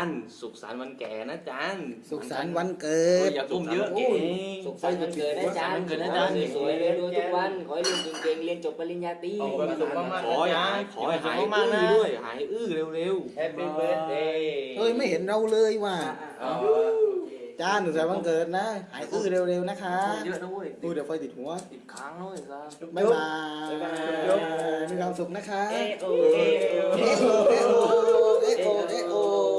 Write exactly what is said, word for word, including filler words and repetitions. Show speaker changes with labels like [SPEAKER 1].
[SPEAKER 1] ย์สุขสันต์วันแก่นะจาน
[SPEAKER 2] สุขสันต์วันเกิ
[SPEAKER 1] เอ้ย
[SPEAKER 2] ด
[SPEAKER 1] อย่าทุ่มเยอะ
[SPEAKER 3] โอ้
[SPEAKER 1] เก๋
[SPEAKER 3] ยสุขสันต์วันเกิดนะจ๊ะ
[SPEAKER 1] สุขสันต์วันเกิดนะจ๊ะ
[SPEAKER 3] สวยๆเลยรวยทุกวันขอให้เรียนเก่งๆเรียนจบปริญญาตรี
[SPEAKER 4] เอาความสุขมากๆ
[SPEAKER 1] ขอให้หายขอให้หายอื้อด้วยหายอื้อเร็ว
[SPEAKER 4] Happy birthday
[SPEAKER 2] เฮ้ยไม่เห็นเราเลยว่ะ
[SPEAKER 4] อ๋อ
[SPEAKER 2] จ้าหนูสุขสันต์วันเกิดนะ หายอื้อเร็วๆนะคะ
[SPEAKER 1] ๆเยอะนะเว้ย
[SPEAKER 2] ดูเดี๋ยวไฟติดหัว
[SPEAKER 1] ติดค้างเลยครับ
[SPEAKER 2] บ๊ายบาย
[SPEAKER 4] บ๊ายบาย
[SPEAKER 2] มีความสุขนะคะ
[SPEAKER 4] เอโอ
[SPEAKER 2] เอ
[SPEAKER 4] เอโอ
[SPEAKER 2] โอเอโอเอโอเอโอ